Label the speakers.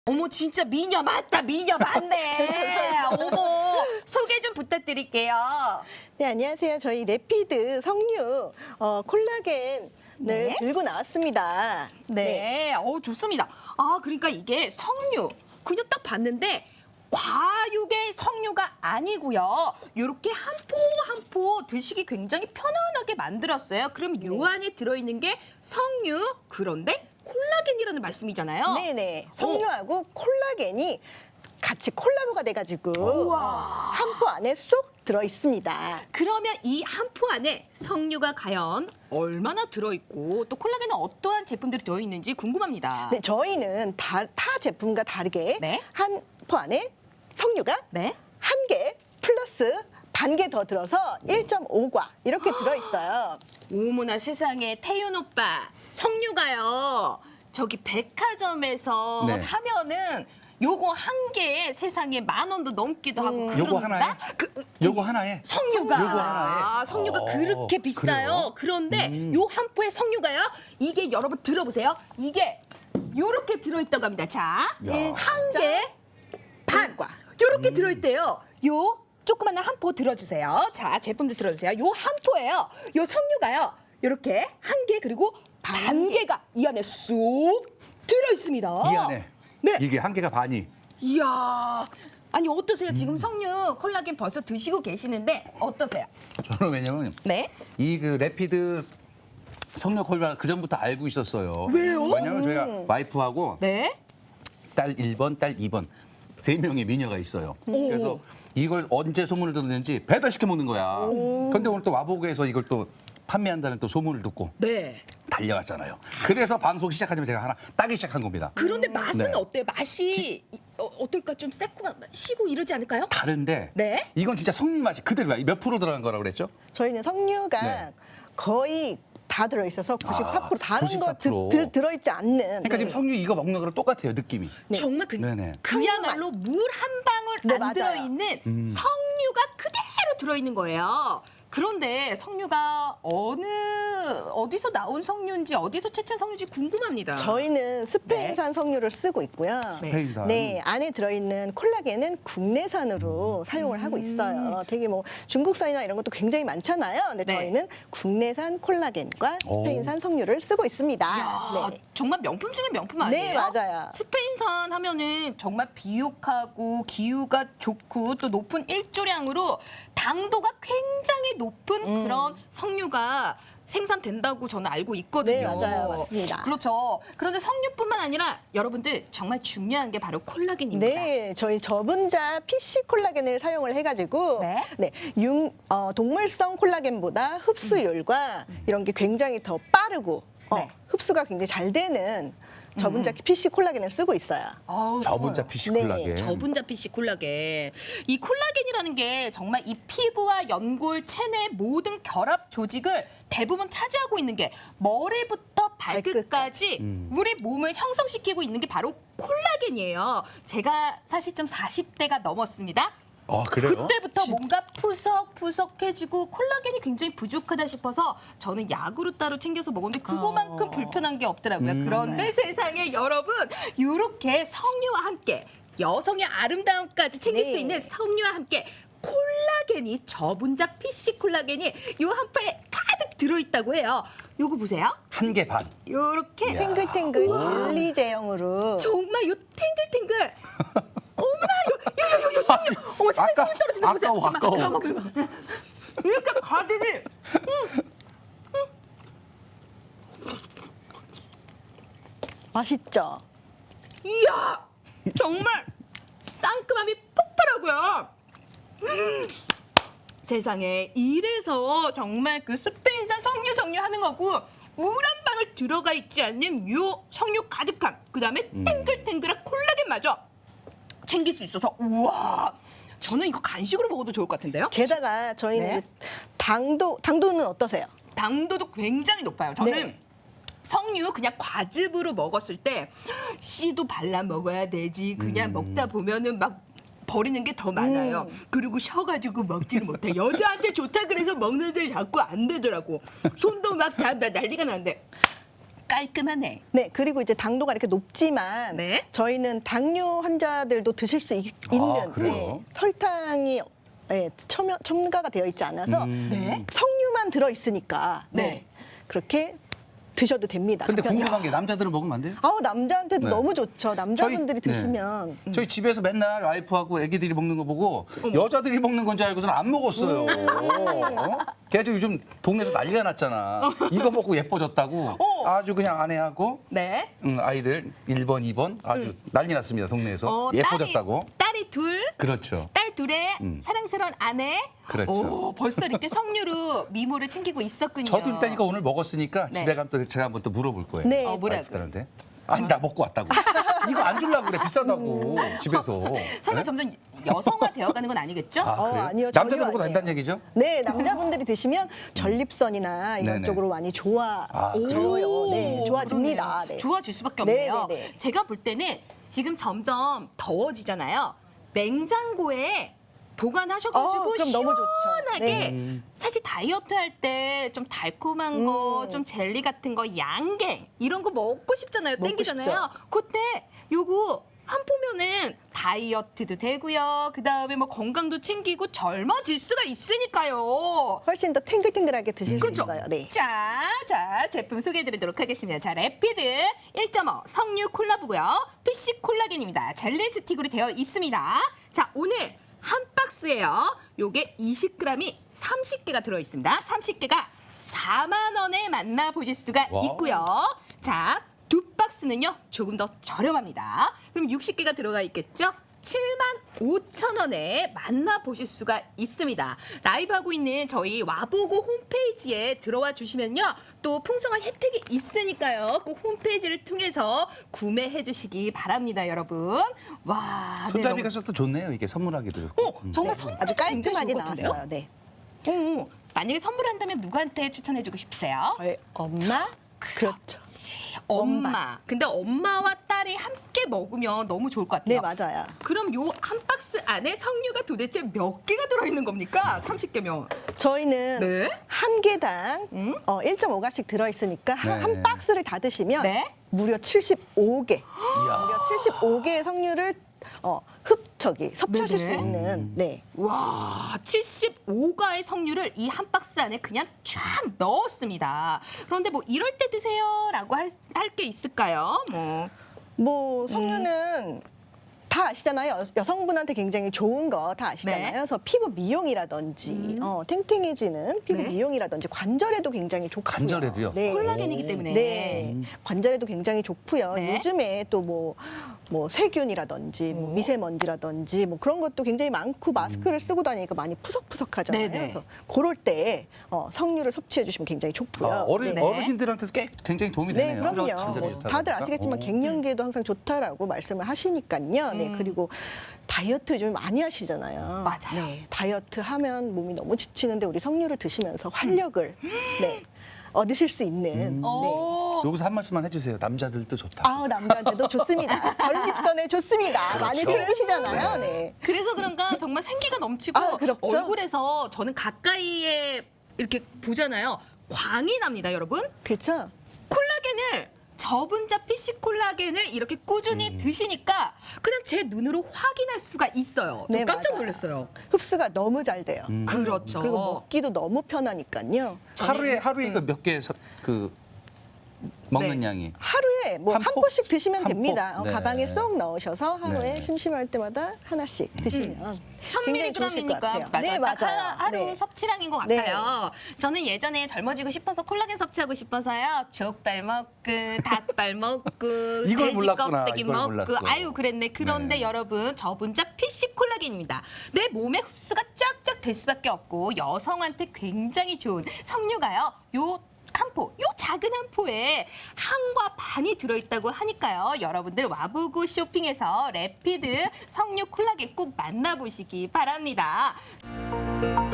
Speaker 1: 어머 진짜 미녀 맞다. 미녀 맞네. 어머 소개 좀 부탁드릴게요.
Speaker 2: 네, 안녕하세요. 저희 레피드 석류 콜라겐을
Speaker 1: 네.
Speaker 2: 들고 나왔습니다.
Speaker 1: 네. 좋습니다. 아 그러니까 이게 석류. 그냥 딱 봤는데 과육의 석류가 아니고요. 이렇게 한 포 한 포 드시기 굉장히 편안하게 만들었어요. 그럼 요 안에 들어있는 게 석류. 그런데 콜라겐이라는 말씀이잖아요.
Speaker 2: 네네. 석류하고 콜라겐이 같이 콜라보가 돼가지고
Speaker 1: 우와.
Speaker 2: 한 포 안에 쏙 들어 있습니다.
Speaker 1: 그러면 이 한 포 안에 석류가 과연 얼마나 들어있고 또 콜라겐은 어떠한 제품들이 들어있는지 궁금합니다.
Speaker 2: 네, 저희는 타 제품과 다르게
Speaker 1: 네.
Speaker 2: 한 포 안에 석류가
Speaker 1: 네.
Speaker 2: 한 개 플러스 반 개 더 들어서 1.5과 이렇게 들어 있어요.
Speaker 1: 어머나 세상에 태윤 오빠 석류가요. 저기 백화점에서
Speaker 3: 네.
Speaker 1: 사면은 요거 한 개에 세상에 10,000원도 넘기도 하고 그럽니다.
Speaker 3: 요거 하나에? 요거 하나에?
Speaker 1: 석류가
Speaker 3: 요거 하나에?
Speaker 1: 석류가 그렇게 비싸요.
Speaker 3: 그래요?
Speaker 1: 그런데 요 한 포의 석류가요. 이게 여러분 들어보세요. 이게 요렇게 들어있다고 합니다. 자,
Speaker 3: 야.
Speaker 1: 한 개 반
Speaker 2: 과.
Speaker 1: 요렇게 들어있대요. 요 조그만 한 포 들어주세요. 자, 제품도 들어주세요. 요 한 포예요. 요 석류가요. 요렇게 한 개 그리고 반 개가 이 안에 쏙 들어있습니다.
Speaker 3: 이 안에
Speaker 1: 네.
Speaker 3: 이게 한 개가 반이.
Speaker 1: 이야. 아니 어떠세요? 지금 석류 콜라겐 벌써 드시고 계시는데 어떠세요?
Speaker 3: 저는 왜냐면
Speaker 1: 네.
Speaker 3: 이 그 레피드 석류 콜라 그 전부터 알고 있었어요.
Speaker 1: 왜요?
Speaker 3: 왜냐면 저희가 와이프하고
Speaker 1: 네.
Speaker 3: 딸 1번, 딸 2번 세 명의 미녀가 있어요. 그래서 이걸 언제 소문을 듣는지 배달시켜 먹는 거야. 그런데 오늘 또 와보고에서 이걸 또 판매한다는 또 소문을 듣고
Speaker 1: 네.
Speaker 3: 달려왔잖아요. 그래서 방송 시작하자면 제가 하나 따기 시작한 겁니다.
Speaker 1: 그런데 맛은
Speaker 3: 네.
Speaker 1: 어때요? 맛이 어떨까? 좀 새콤한 시고 이러지 않을까요?
Speaker 3: 다른데
Speaker 1: 네.
Speaker 3: 이건 진짜 석류 맛이 그대로야. 몇 프로 들어간 거라고 그랬죠?
Speaker 2: 저희는 석류가
Speaker 3: 네.
Speaker 2: 거의 다 들어 있어서 94% 다른
Speaker 3: 94%.
Speaker 2: 거 들어있지 않는.
Speaker 3: 그러니까 지금 석류 이거 먹는 거랑 똑같아요, 느낌이.
Speaker 2: 네.
Speaker 1: 정말
Speaker 3: 네네.
Speaker 1: 그야말로 물 한 방울
Speaker 2: 네,
Speaker 1: 안
Speaker 2: 맞아요.
Speaker 1: 들어있는 석류가 그대로 들어있는 거예요. 그런데 석류가 어디서 나온 석류인지 어디서 채취한 석류인지 궁금합니다.
Speaker 2: 저희는 스페인산 석류를 쓰고 있고요.
Speaker 3: 스페인산.
Speaker 2: 네, 안에 들어있는 콜라겐은 국내산으로 사용을 하고 있어요. 되게 뭐 중국산이나 이런 것도 굉장히 많잖아요. 근데
Speaker 1: 네.
Speaker 2: 저희는 국내산 콜라겐과
Speaker 3: 오.
Speaker 2: 스페인산 석류를 쓰고 있습니다.
Speaker 1: 이야,
Speaker 2: 네.
Speaker 1: 정말 명품 중에 명품 아니에요?
Speaker 2: 네, 맞아요.
Speaker 1: 스페인산 하면은 정말 비옥하고 기후가 좋고 또 높은 일조량으로 당도가 굉장히 높은 그런 석류가 생산된다고 저는 알고 있거든요.
Speaker 2: 네, 맞아요. 맞습니다.
Speaker 1: 그렇죠. 그런데 석류뿐만 아니라 여러분들 정말 중요한 게 바로 콜라겐입니다.
Speaker 2: 네, 저희 저분자 PC 콜라겐을 사용을 해가지고
Speaker 1: 네.
Speaker 2: 동물성 콜라겐보다 흡수율과 이런 게 굉장히 더 빠르고
Speaker 1: 네.
Speaker 2: 흡수가 굉장히 잘 되는 저분자 PC 콜라겐을 쓰고 있어요.
Speaker 1: 아우,
Speaker 3: 저분자
Speaker 1: 좋아요.
Speaker 3: PC
Speaker 2: 네,
Speaker 3: 콜라겐.
Speaker 1: 저분자 PC 콜라겐. 이 콜라겐이라는 게 정말 이 피부와 연골, 체내 모든 결합 조직을 대부분 차지하고 있는 게 머리부터 발끝까지 우리 몸을 형성시키고 있는 게 바로 콜라겐이에요. 제가 사실 좀 40대가 넘었습니다.
Speaker 3: 그래요?
Speaker 1: 그때부터 뭔가 푸석푸석해지고 콜라겐이 굉장히 부족하다 싶어서 저는 약으로 따로 챙겨서 먹었는데 그거만큼 불편한 게 없더라고요. 그런데 세상에 여러분 이렇게 석류와 함께 여성의 아름다움까지 챙길
Speaker 2: 네.
Speaker 1: 수 있는 석류와 함께 콜라겐이 저분자 PC 콜라겐이 요 한 포에 가득 들어있다고 해요. 요거 보세요.
Speaker 3: 한 개 반.
Speaker 1: 요렇게
Speaker 3: 이야.
Speaker 2: 탱글탱글 젤리 제형으로.
Speaker 1: 정말 요 탱글탱글 어머나 요 석류 어머 세상에
Speaker 3: 아까-
Speaker 1: 손 떨어지는 거 보세요.
Speaker 3: 아까워.
Speaker 1: 이렇게 가득이
Speaker 2: 맛있죠?
Speaker 1: 이야 정말 상큼함이 폭발하고요. 세상에 이래서 정말 그 스페인산 석류 하는 거고 물 한 방울 들어가 있지 않는 요 석류 가득한 그다음에 탱글탱글한 콜라겐마저 챙길 수 있어서 우와 저는 이거 간식으로 먹어도 좋을 것 같은데요.
Speaker 2: 게다가 저희는
Speaker 1: 네.
Speaker 2: 이제 당도는 어떠세요?
Speaker 1: 당도도 굉장히 높아요. 저는
Speaker 2: 네.
Speaker 1: 석류 그냥 과즙으로 먹었을 때 씨도 발라 먹어야 되지. 그냥 먹다 보면은 막 버리는 게 더 많아요. 그리고 쉬어가지고 먹지를 못해. 여자한테 좋다 그래서 먹는데 자꾸 안 되더라고. 손도 막 다 난리가 나는데 깔끔하네.
Speaker 2: 네, 그리고 이제 당도가 이렇게 높지만
Speaker 1: 네.
Speaker 2: 저희는 당뇨 환자들도 드실 수 있는
Speaker 3: 그래요?
Speaker 2: 설탕이 첨가가 되어 있지 않아서
Speaker 1: 네.
Speaker 2: 석류만 들어 있으니까
Speaker 1: 네.
Speaker 2: 그렇게 드셔도 됩니다.
Speaker 3: 근데
Speaker 2: 간편하게.
Speaker 3: 궁금한 게 남자들은 먹으면 안 돼요?
Speaker 2: 아우 남자한테도
Speaker 3: 네.
Speaker 2: 너무 좋죠. 남자분들이
Speaker 3: 저희- 네.
Speaker 2: 드시면
Speaker 3: 저희 집에서 맨날 와이프하고 애기들이 먹는 거 보고 여자들이 먹는 건 줄 알고서는 안 먹었어요. 어? 걔도 요즘 동네에서 난리가 났잖아. 이거 먹고 예뻐졌다고 아주 그냥 아내하고
Speaker 1: 네.
Speaker 3: 아이들 1번, 2번 아주 난리 났습니다. 동네에서. 예뻐졌다고.
Speaker 1: 딸이 둘,
Speaker 3: 그렇죠.
Speaker 1: 딸 둘의 사랑스러운 아내.
Speaker 3: 그렇죠.
Speaker 1: 오, 벌써 이렇게 석류로 미모를 챙기고 있었군요.
Speaker 3: 저도 일단 이거 오늘 먹었으니까
Speaker 1: 네.
Speaker 3: 집에 가면 또 제가 한번 또 물어볼 거예요.
Speaker 2: 네.
Speaker 1: 뭐라고요?
Speaker 3: 와이프들한테. 아니 나 먹고 왔다고. 이거 안 주려고 그래 비싸다고 집에서.
Speaker 1: 설마
Speaker 3: 네?
Speaker 1: 점점 여성화 되어가는 건 아니겠죠?
Speaker 3: 아, 그래요?
Speaker 2: 아니요.
Speaker 3: 남자도
Speaker 2: 전혀
Speaker 3: 먹어도
Speaker 2: 아니에요.
Speaker 3: 된다는 얘기죠?
Speaker 2: 네, 남자분들이 드시면 전립선이나 이런
Speaker 3: 네네.
Speaker 2: 쪽으로 많이 좋아져요. 네, 좋아집니다.
Speaker 1: 그러네요.
Speaker 2: 네.
Speaker 1: 좋아질 수밖에
Speaker 2: 네,
Speaker 1: 없네요.
Speaker 2: 네, 네.
Speaker 1: 제가 볼 때는 지금 점점 더워지잖아요. 냉장고에 보관하셔가지고
Speaker 2: 그럼 너무 좋죠.
Speaker 1: 시원하게
Speaker 2: 네.
Speaker 1: 사실 다이어트 할 때 좀 달콤한 거, 좀 젤리 같은 거, 양갱 이런 거 먹고 싶잖아요.
Speaker 2: 먹고
Speaker 1: 땡기잖아요. 그때 요거 한 포면은 다이어트도 되고요. 그 다음에 뭐 건강도 챙기고 젊어질 수가 있으니까요.
Speaker 2: 훨씬 더 탱글탱글하게 드실
Speaker 1: 그렇죠.
Speaker 2: 수 있어요. 네.
Speaker 1: 자, 제품 소개해드리도록 하겠습니다. 자, 래피드 1.5 석류 콜라보고요. PC 콜라겐입니다. 젤리 스틱으로 되어 있습니다. 자, 오늘 한 박스에요. 요게 20g이 30개가 들어있습니다. 30개가 4만 원에 만나보실 수가
Speaker 3: 와우.
Speaker 1: 있고요. 자, 두 박스는요. 조금 더 저렴합니다. 그럼 60개가 들어가 있겠죠? 75,000원에 만나보실 수가 있습니다. 라이브 하고 있는 저희 와보고 홈페이지에 들어와 주시면요. 또 풍성한 혜택이 있으니까요. 꼭 홈페이지를 통해서 구매해 주시기 바랍니다, 여러분. 와, 네,
Speaker 3: 손잡이가 또 좋네요. 이게 선물하기도 좋고.
Speaker 1: 정말 선물
Speaker 2: 아주 깔끔하게
Speaker 1: 굉장히 좋을 것 같은데요?
Speaker 2: 나왔어요. 네.
Speaker 1: 만약에 선물한다면 누구한테 추천해 주고 싶으세요?
Speaker 2: 저희 엄마? 그렇죠.
Speaker 1: 엄마. 근데 엄마와 딸이 함께 먹으면 너무 좋을 것 같아요.
Speaker 2: 네, 맞아요.
Speaker 1: 그럼 요 한 박스 안에 석류가 도대체 몇 개가 들어있는 겁니까? 30개면.
Speaker 2: 저희는
Speaker 1: 네.
Speaker 2: 한 개당 1.5가씩 들어있으니까
Speaker 3: 네.
Speaker 2: 한 박스를 다 드시면
Speaker 1: 네.
Speaker 2: 무려 75개.
Speaker 3: 이야.
Speaker 2: 무려 75개의 석류를 섭취하실
Speaker 1: 네네.
Speaker 2: 수 있는 네.
Speaker 1: 와, 75가의 석류를 이 한 박스 안에 그냥 쫙 넣었습니다. 그런데 뭐 이럴 때 드세요라고 할 게 있을까요?
Speaker 2: 뭐 석류는 다 아시잖아요. 여성분한테 굉장히 좋은 거 다 아시잖아요.
Speaker 1: 네.
Speaker 2: 그래서 피부 미용이라든지 탱탱해지는 피부
Speaker 1: 네.
Speaker 2: 미용이라든지 관절에도 굉장히 좋고요.
Speaker 3: 관절에도?
Speaker 2: 네.
Speaker 1: 콜라겐이기 때문에.
Speaker 2: 네, 관절에도 굉장히 좋고요.
Speaker 1: 네.
Speaker 2: 요즘에 또 뭐 세균이라든지 뭐 미세먼지라든지 뭐 그런 것도 굉장히 많고 마스크를 쓰고 다니니까 많이 푸석푸석하잖아요.
Speaker 1: 네네.
Speaker 2: 그래서 그럴 때 석류를 섭취해 주시면 굉장히 좋고요.
Speaker 3: 어른,
Speaker 2: 네.
Speaker 3: 어르신들한테도 굉장히 도움이
Speaker 2: 네,
Speaker 3: 되네요.
Speaker 2: 그럼요.
Speaker 3: 관절이
Speaker 2: 뭐
Speaker 3: 좋다고
Speaker 2: 다들
Speaker 3: 하니까.
Speaker 2: 아시겠지만 갱년기에도 항상 좋다라고 말씀을 하시니까요. 네, 그리고 다이어트 요즘 많이 하시잖아요.
Speaker 1: 맞아요.
Speaker 2: 네, 다이어트 하면 몸이 너무 지치는데 우리 석류를 드시면서 활력을 네, 얻으실 수 있는. 네.
Speaker 3: 여기서 한 말씀만 해주세요. 남자들도 좋다.
Speaker 2: 아우 남자한테도 좋습니다. 전립선에 좋습니다. 많이
Speaker 3: 그렇죠.
Speaker 2: 생기시잖아요. 네.
Speaker 1: 그래서 그런가 정말 생기가 넘치고
Speaker 2: 아, 그렇죠.
Speaker 1: 얼굴에서 저는 가까이에 이렇게 보잖아요. 광이 납니다, 여러분.
Speaker 2: 그렇죠.
Speaker 1: 콜라겐을 저분자 PC 콜라겐을 이렇게 꾸준히 드시니까 그냥 제 눈으로 확인할 수가 있어요. 저
Speaker 2: 네,
Speaker 1: 깜짝
Speaker 2: 맞아요.
Speaker 1: 놀랐어요.
Speaker 2: 흡수가 너무 잘 돼요.
Speaker 1: 그렇죠.
Speaker 2: 그리고 먹기도 너무 편하니까요.
Speaker 3: 하루에 이거 몇 개 먹는
Speaker 1: 네.
Speaker 3: 양이.
Speaker 2: 하루에 뭐
Speaker 3: 한
Speaker 2: 한
Speaker 3: 포?
Speaker 2: 포씩 드시면
Speaker 3: 한
Speaker 2: 됩니다.
Speaker 3: 포? 네.
Speaker 2: 가방에 쏙 넣으셔서 하루에
Speaker 3: 네.
Speaker 2: 심심할 때마다 하나씩 드시면 굉장히 좋으실 것
Speaker 1: 1000mg이니까
Speaker 2: 같아요.
Speaker 1: 맞아요.
Speaker 2: 네,
Speaker 1: 딱
Speaker 2: 맞아요.
Speaker 1: 하루
Speaker 2: 네.
Speaker 1: 섭취량인 것
Speaker 2: 네.
Speaker 1: 같아요. 저는 예전에 젊어지고 싶어서 콜라겐 섭취하고 싶어서요. 족발 먹고 닭발 먹고
Speaker 3: 이걸
Speaker 1: 돼지
Speaker 3: 몰랐구나.
Speaker 1: 껍데기
Speaker 3: 이걸
Speaker 1: 먹고
Speaker 3: 몰랐어.
Speaker 1: 아유 그랬네. 그런데
Speaker 3: 네.
Speaker 1: 여러분 저분자 PC 콜라겐입니다. 내 몸에 흡수가 쫙쫙 될 수밖에 없고 여성한테 굉장히 좋은 석류가요. 요 작은 한 포에 한과 반이 들어있다고 하니까요. 여러분들 와보고 쇼핑해서 래피드 석류 콜라겐 꼭 만나보시기 바랍니다.